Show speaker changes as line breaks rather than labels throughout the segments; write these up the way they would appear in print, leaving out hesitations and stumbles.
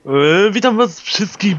Witam was wszystkich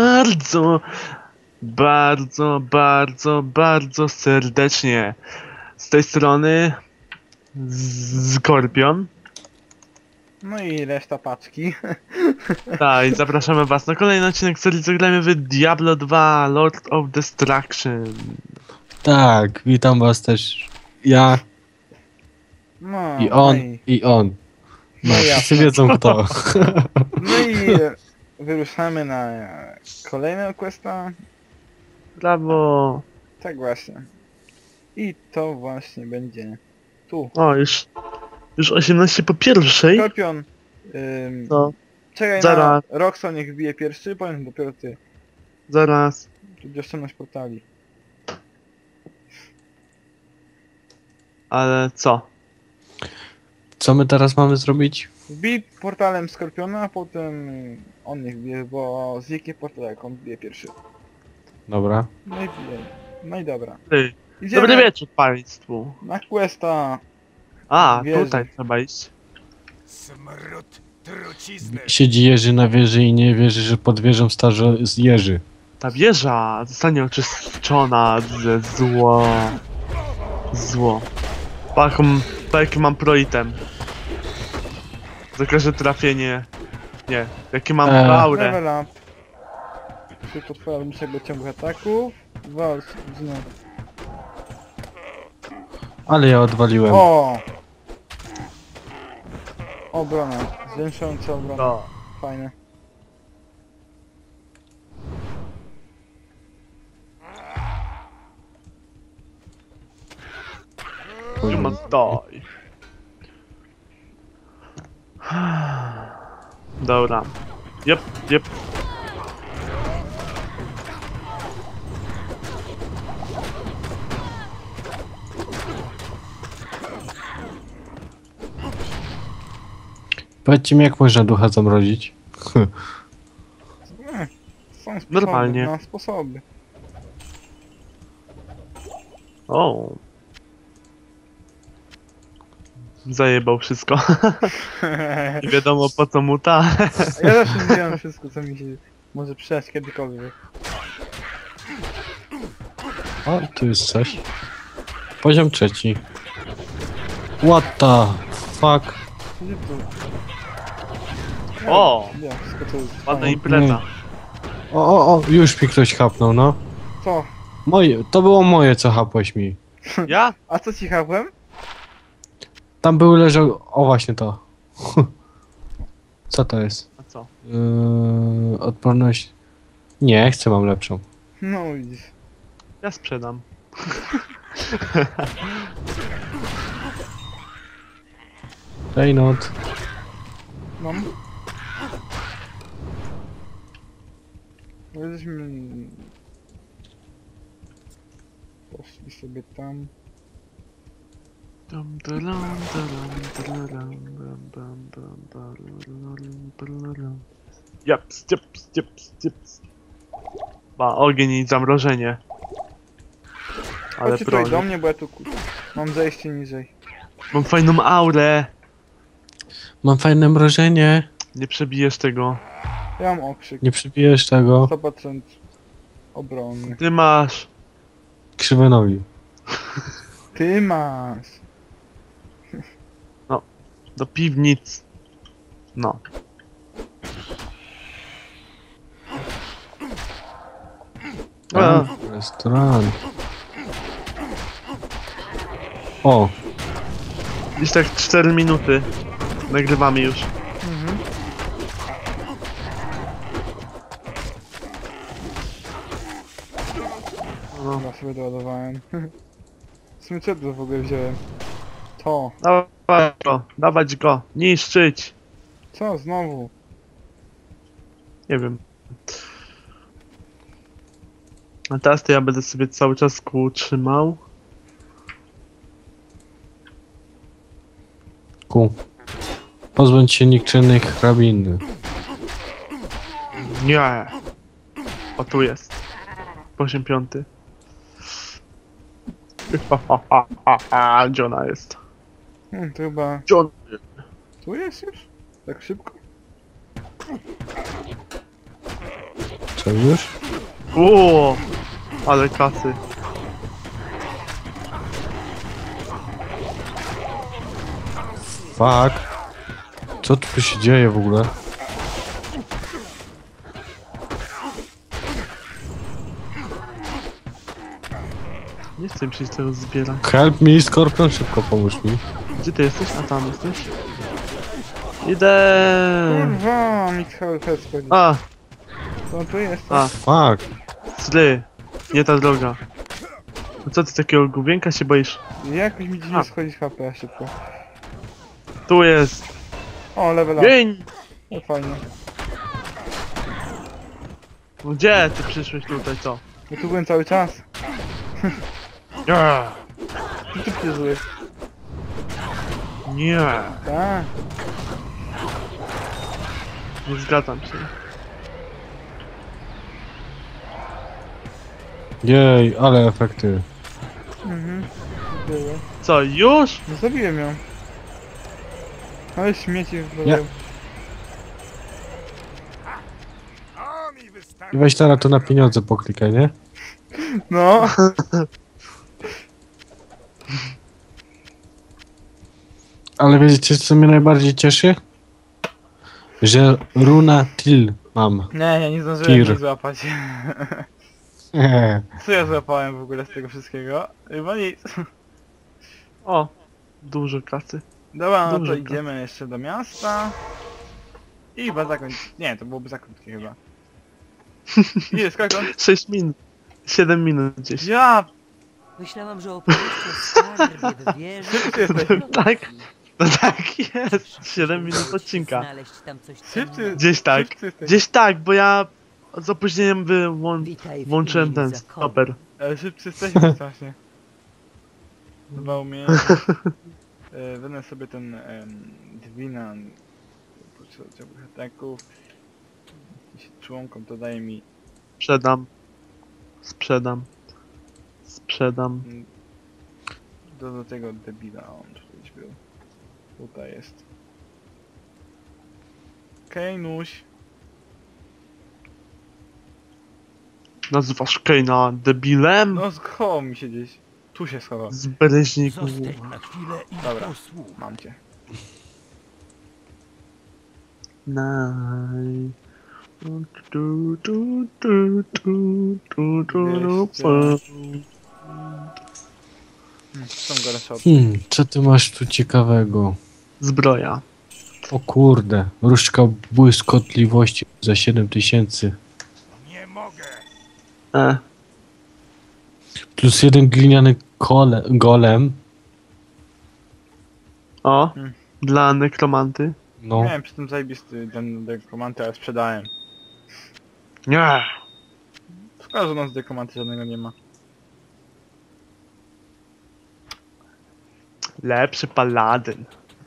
bardzo serdecznie. Z tej strony Skorpion.
No i reszta paczki.
Tak, i zapraszamy was na kolejny odcinek serii Zagrajmy w Diablo 2 Lord of Destruction.
Tak, witam was też. Ja
No,
i on
no i,
i on. No,
No
wszyscy
jasne.
wiedzą kto.
no i wyruszamy na kolejnego questa.
Brawo.
Tak właśnie. I to właśnie będzie tu.
O, już 18 po pierwszej.
Skorpion.
No,
Czekaj
zaraz.
na Roxo, niech wbije pierwszy, powiem dopiero ty.
zaraz.
Tu oszczędność portali.
Ale co?
Co my teraz mamy zrobić?
Wbij portalem Skorpiona, a potem on niech wbije, bo zniknie portal jak on wbije pierwszy.
Dobra.
No i wbije. No i dobra.
Ty.
Idziemy
Dobry wieczór państwu.
na questa.
A,
Wieży.
tutaj trzeba iść.
Smród trucizny.
Siedzi Jerzy na wieży i nie wierzy, że pod wieżą starzy z Jerzy.
Ta wieża zostanie oczyszczona ze zło. Jaki mam proitem. Za każde trafienie. Nie, jaki mam aurę.
Level up. Szybko twoja ludzkiego ciągu ataków. Walcz znów.
Ale ja odwaliłem.
O! Obrona. Zwiększająca obronę.
No.
Fajne.
You must die. Dobra. Jep.
Powiedzcie mi, jak można ducha zamrozić?
Są sposoby.
Normalnie.
Na sposoby.
O. Zajebał wszystko. Nie wiadomo po co mu ta.
Ja zawsze mówiłem wszystko, co mi się może przydać kiedykolwiek.
O, tu jest coś. Poziom trzeci. What the fuck?
Gdzie tu?
O!
Ja, wszystko to jest
Ładna
fajne.
impreza.
O, już mi ktoś chapnął, no.
Co?
Moje, to było moje, co chapłeś mi.
Ja?
A co ci chapłem?
Tam był leżał, o właśnie to. Co to jest?
A co?
Odporność. Nie, chcę, mam lepszą.
No widzisz.
Ja sprzedam.
Reynot.
Mam. Jesteśmy... Poszli sobie tam.
Japs. Ma ogień i zamrożenie. Ale
Chodźcie tutaj do
broń.
mnie, bo ja tu mam zejście niżej.
Mam fajną aurę.
Mam fajne mrożenie.
Nie przebijesz tego.
Ja mam okrzyk.
Nie przybijesz tego.
100% obrony.
Ty masz.
Krzywe nogi.
Ty masz.
Do piwnic. No. A,
Restaurant. O,
gdzieś tak 4 minuty. Nagrywamy już.
Mhm.
No.
Ja sobie doładowałem. W sumie co to w ogóle wziąłem? To.
Dawać go. Niszczyć.
Co znowu?
Nie wiem. A teraz to ja będę sobie cały czas kół trzymał.
pozbądź się nikczynnych hrabiny.
Nie. O, tu jest. Poziom 5. Gdzie ona jest?
To chyba...
Gdzie on?
Tu jest już? Tak szybko?
Co już?
Uuu, ale kasy.
Fuck. Co tu się dzieje w ogóle?
Nie chcę przyjść tego zbierać.
Help me, Skorpion, szybko pomóż mi.
Gdzie ty jesteś? A tam jesteś? Idę.
Kurwa, Michał Hecko.
A,
Co tu jest?
a,
Fuck.
sly. Nie ta droga. No co ty takiego gubienka się boisz?
Jakoś mi
A.
dziwnie schodzi HP szybko.
Tu jest.
O, level up.
Gień!
O, fajnie.
Gdzie ty przyszłeś tutaj, co?
Ja tu byłem cały czas.
Nie.
Co ty przyszłeś?
Nie.
Tak.
Nie zgadzam się.
Jej, ale efekty.
Mhm. Było.
Co, już?
No zabiłem ją. Ale śmieci
Nie.
wyglądają.
To mi wystarczy.
I weź teraz to na pieniądze poklikaj, nie?
No.
Ale wiecie co mnie najbardziej cieszy? Że runa till mam.
Nie, ja nie zdążyłem
Tir.
nic złapać. Co ja złapałem w ogóle z tego wszystkiego? Chyba nic.
O, dużo kasy.
Dobra, no
Dużo
to
kasy.
idziemy jeszcze do miasta. I chyba zakończyć. Nie, to byłoby za krótkie chyba. Ile, skoro?
6 minut. 7 minut gdzieś.
Ja!
Myślałam, że opowieści o skarbie w wieży...
Ty jesteś.
Tak. No tak jest. 7 minut odcinka.
Znaleźć tam coś
Szybcy.
cennego.
Gdzieś tak.
Szybcy jesteś.
Gdzieś tak, bo ja z opóźnieniem
Witaj w
włączyłem
imieniu
ten
zakonu.
stoper.
Ale szybcy jesteśmy strasznie. Dwa umie. Wezmę sobie ten Dwina. Potrzebnych ataków. Jeśli członkom to daje mi
Sprzedam. Sprzedam. Sprzedam.
do tego debila. On tu gdzieś był. Tutaj jest. Okej, Nuś.
Nazywasz Kane'a debilem?
No schował mi się gdzieś. Tu się schował.
Z bereźniku.
Zostań na chwilę i
Dobra.
posłuchaj.
Mam cię.
Naj.
Są gore shot.
Co ty masz tu ciekawego?
Zbroja.
O kurde, różdżka błyskotliwości za 7000.
Nie mogę.
E,
Plus jeden gliniany golem.
o.
Hmm.
Dla nekromanty.
No,
Miałem przy tym zajebisty ten dekomanty, ale sprzedałem.
Nie.
Szkoda, że u nas dekomanty żadnego nie ma.
Lepszy paladyn.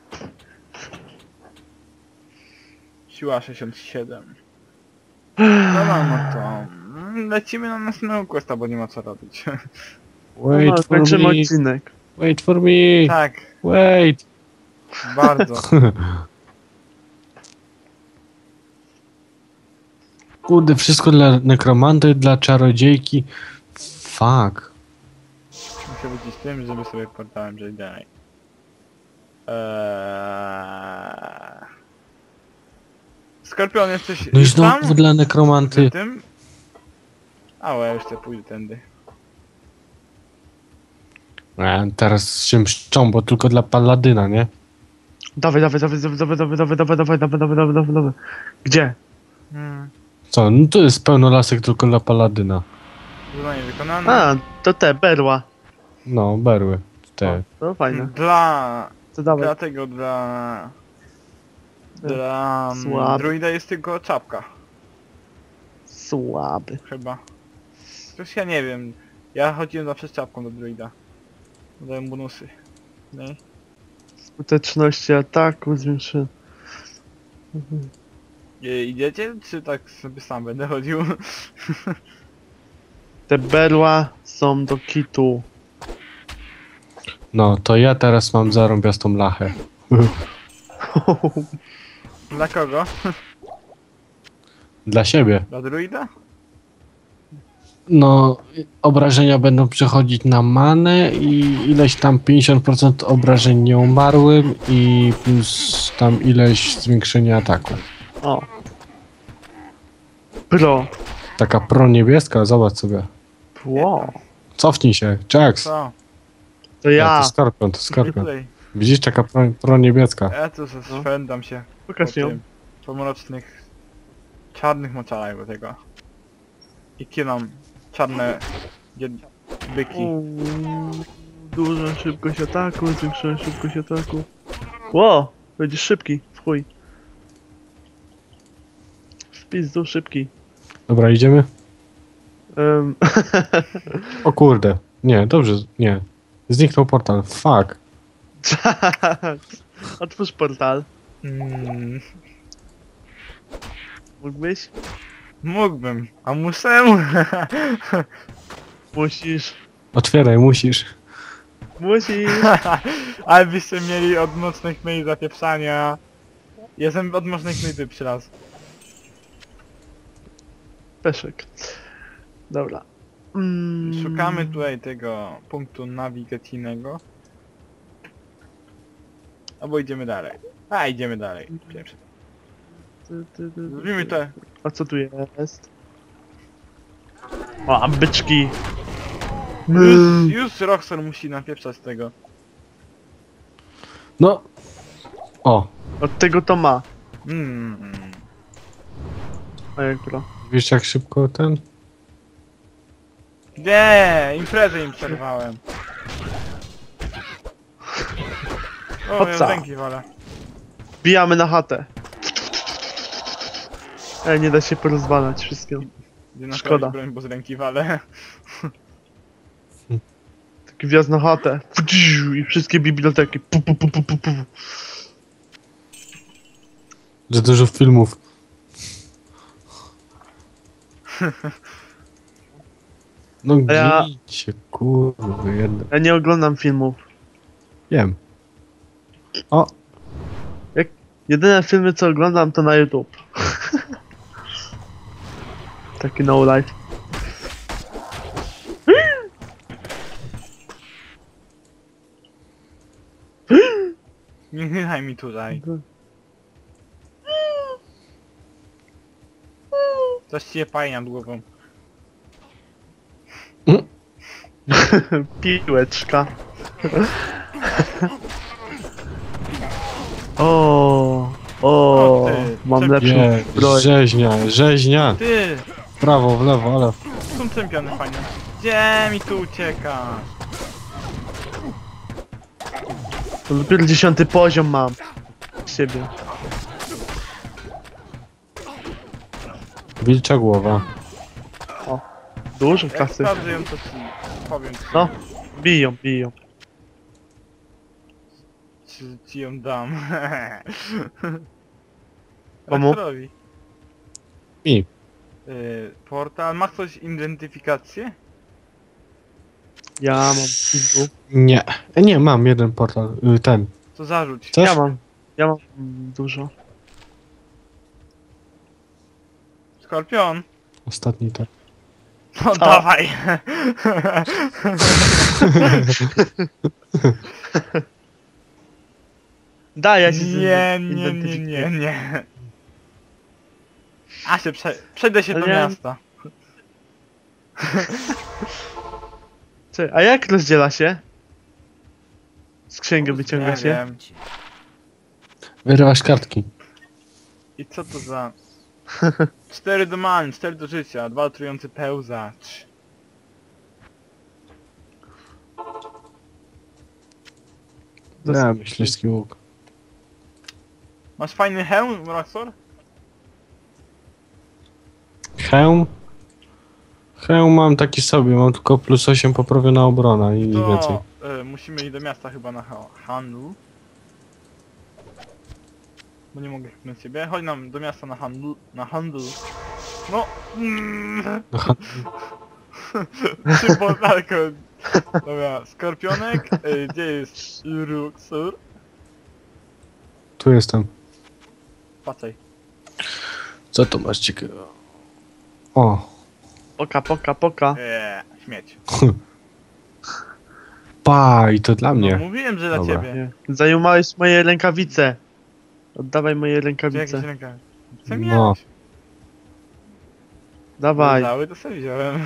Siła 67. Dobra, no to lecimy na następnego questa, bo nie ma co robić.
wait for
Kończymy
me,
odcinek.
wait for me,
Tak,
wait.
bardzo.
Kurde, wszystko dla nekromanty, dla czarodziejki. Fuck.
Muszę być z tym, żeby sobie portałem, że dalej. Skorpion, jesteś
No i
już tam?
znowu dla nekromanty.
Z tym? A, ja już sobie pójdę tędy.
Teraz się mszczą, bo tylko dla paladyna, nie?
Dawaj, dawaj, dawaj, dawaj, dawaj, dawaj, dawaj, dawaj, dawaj, dawaj, dawaj, dawaj, dawaj, dawaj. Gdzie?
Co, no to jest pełno lasek tylko dla paladyna.
Zadanie wykonane.
A, to te, berła.
No, berły. Te.
To fajne.
Dla...
To dawaj.
Dlatego dla
Słaby.
druida jest tylko czapka,
Słaby.
chyba. Coś ja nie wiem. Ja chodziłem zawsze z czapką do druida. Dają bonusy. Nie?
Skuteczności ataku zwiększy.
Idziecie? Czy tak sobie sam będę chodził?
Te berła są do kitu.
No, to ja teraz mam zarąbiastą lachę.
Dla kogo?
Dla siebie.
Dla druida?
No, obrażenia będą przechodzić na manę i ileś tam 50% obrażeń nieumarłym i plus tam ileś zwiększenia ataku.
O. Pro.
Taka pro niebieska, zobacz sobie.
Wow.
Cofnij się, Jax.
Co?
To
Ja,
ja.
to Skorpion, to
Nie
Skorpion.
tutaj.
Widzisz, taka pro niebieska.
Ja tu szwendam się
Pokaż ją.
po mrocznych, czarnych moczarach do tego. I kinam czarne byki.
Dużą szybkość ataku, zwiększyłem szybkość ataku. Ło! Będziesz szybki, w chuj. W pizdu szybki.
Dobra, idziemy?
Um,
O kurde. Nie, dobrze, nie. Zniknął portal, fuck.
Otwórz portal.
Mm,
Mógłbyś?
mógłbym, a muszę.
Musisz.
Otwieraj, musisz.
Musisz.
Ale byście mieli od mocnych myj zapieprzania. Jestem od mocnych myj przy raz.
Peszek. Dobra.
Szukamy tutaj tego punktu nawigacyjnego. Albo idziemy dalej. A, idziemy dalej. Pierwszy. Zrobimy to.
A co tu jest? O, a byczki.
Już Roxor musi napieprzać tego.
No. O,
Od tego to ma.
Mm.
A jak pro?
wiesz jak szybko ten?
Nie, imprezę im przerwałem. O, ja
Hoca.
z ręki wolę.
Bijamy na chatę. Nie da się porozwalać wszystkiego.
Gdzie naprawić
Szkoda.
broń, bo z ręki walę.
Taki wjazd na chatę. I wszystkie biblioteki. Pu, pu, pu, pu, pu, pu.
Za dużo filmów. No
A ja-
gdzie kurwa, jedna.
Ja nie oglądam filmów.
Wiem. O,
Jedyne filmy co oglądam to na YouTube. Taki no life.
Nie daj mi tutaj. Coś ci je paje nad głową.
Piłeczka. o,
O ty,
mam
czempion.
lepszą
nie,
broń.
rzeźnia.
Ty!
W prawo, w lewo, ale...
Są czempiony fajne. Gdzie mi tu uciekasz?
To dopiero 10 poziom mam. Siebie.
Wilcza głowa.
Dużo
Jak
kasy.
sprawdzę ją, to ci powiem.
No. Biją, biją.
Czy ci ją dam?
Komu?
Rektorowi.
Mi.
Portal, ma ktoś identyfikację?
Ja mam pizdu.
Nie. Nie, mam jeden portal. Ten.
To zarzuć.
Chcesz?
Ja mam dużo.
Skorpion?
Ostatni tak.
No dawaj!
Daj, ja się
Nie. A się przejdę się do
Nie.
miasta.
Czekaj, a jak rozdziela się? Z księgi wyciąga
Nie
się?
wiem.
Wyrywasz kartki.
I co to za... 4 do many, 4 do życia, 2 trujący pełzacz.
Nie, myśliwski łuk.
Masz fajny hełm, Roxor?
Hełm? Hełm mam taki sobie, mam tylko plus 8 poprawiona obrona i nic więcej.
To musimy iść do miasta chyba na handlu. Bo nie mogę chyba ciebie. Chodź nam do miasta na handlu. No!
Aha,
Szybko, daleko. Dobra, Skorpionek, gdzie jest Roxor?
tu jestem.
Patrzaj.
Co to masz ciekawego? O,
Poka, poka, poka.
Śmieć.
pa, i to dla
No
mnie.
mówiłem, że dla
Dobra.
ciebie.
Nie. Zajumałeś moje rękawice. Oddawaj moje
Gdzie
rękawice.
jakieś ręka? Co
No.
miałeś?
Dawaj.
Cały to sobie wziąłem.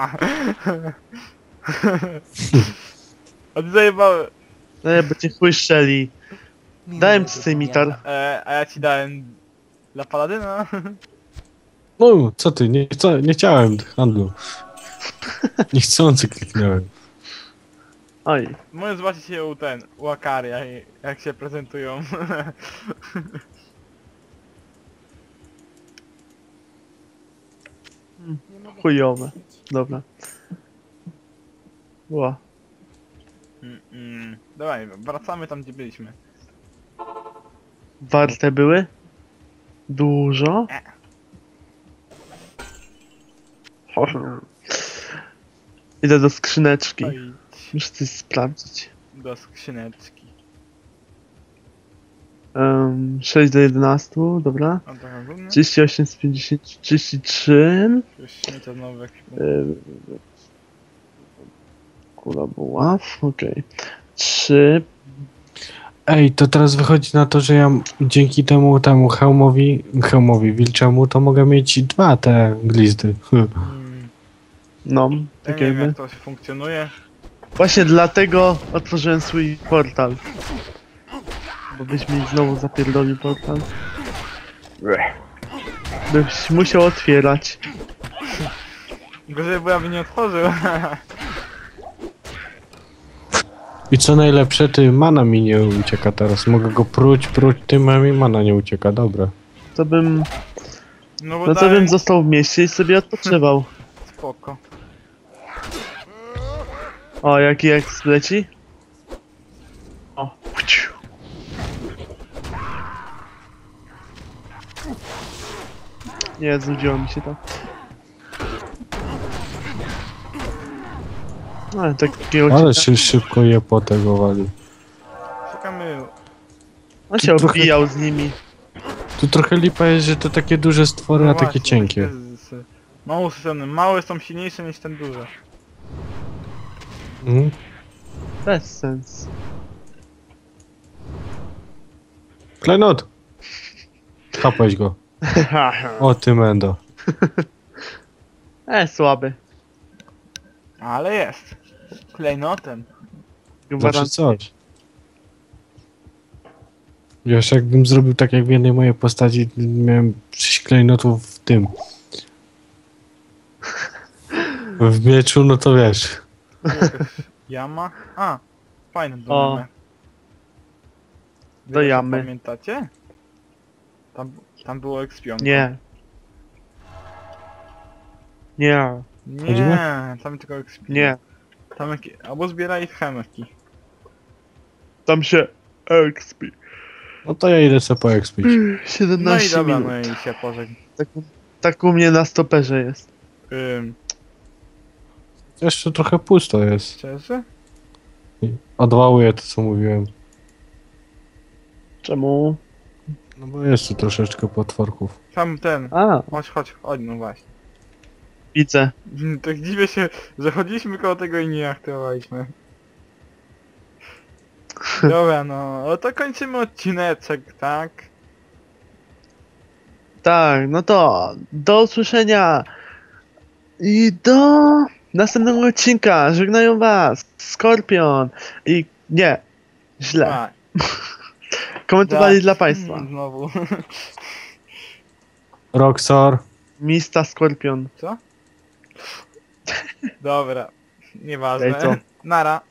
A ty zajebałem.
No, bo cię chłyszczeli. Dałem ci cymitar.
A ja ci dałem dla paladyna.
No, co ty, nie chciałem handlu. Niechcący kliknąłem.
Oj.
Możesz zobaczyć się u Akaria, jak się prezentują.
Chujowe. Dobra. Ła.
Dawaj, wracamy tam, gdzie byliśmy.
Warte były? Dużo? Idę do skrzyneczki.
Oj,
Muszę coś sprawdzić.
do skrzyneczki.
6 do 11, dobra.
A to rozumiem?
38 z 50, 33.
Już śmiecia znowu w ekwipunku.
Kula buław, okej. 3.
Ej, to teraz wychodzi na to, że ja dzięki temu hełmowi wilczemu, to mogę mieć 2 te glizdy.
No,
Ja
tak
nie wiem,
jakby.
jak to funkcjonuje.
Właśnie dlatego otworzyłem swój portal. Bo byś mi znowu zapierdolił portal. Byś musiał otwierać.
Gorzej, bo ja bym nie otworzył.
I co najlepsze, ty mana mi nie ucieka teraz. Mogę go pruć, tym a mi mana nie ucieka, dobra.
To bym...
No bo
No to
dałem-
bym został w mieście i sobie odpoczywał.
Spoko.
O, jaki eks leci? O. Nie, znudziło mi się to. No, takiego
Ale
cieka-
się szybko je po tego wali.
Czekamy.
On się
trochę-
obijał z nimi.
Tu trochę lipa jest, że to takie duże stwory, a takie
właśnie,
cienkie.
Mało strony. Małe są silniejsze niż ten duży.
Mhm.
Bez sens.
Klejnot! Chapałeś go. O ty mendo.
Słaby.
Ale jest. Klejnotem.
Zawsze coś. Wiesz, jakbym zrobił tak jak w jednej mojej postaci, miałem 6 klejnotów w tym. W mieczu, no to wiesz.
Jama? A, fajne
O.
domy.
Do jamy.
Pamiętacie? Tam było ekspionko.
Nie. Nie.
Nie, tam tylko ekspionko.
Nie.
Albo zbieraj chemki.
Tam się expi.
No to ja idę sobie poekspić.
17
No i dobra,
minut.
no i się pożegnam.
Tak u mnie na stoperze jest.
Jeszcze trochę pusto jest.
Szczerze?
Odwałuję to, co mówiłem.
Czemu?
No bo jest tu troszeczkę potworków.
Tam ten.
A,
Chodź, no właśnie.
widzę.
Tak dziwię się, że chodziliśmy koło tego i nie aktywowaliśmy. Dobra, no to kończymy odcineczek, tak?
Tak, no to do usłyszenia i do następnego odcinka. Żegnają was Skorpion i nie, źle.
A,
Komentowali dla państwa.
Znowu.
Roxor.
Mista Skorpion.
Co? Dobra, nieważne.
Ej, co?
Nara.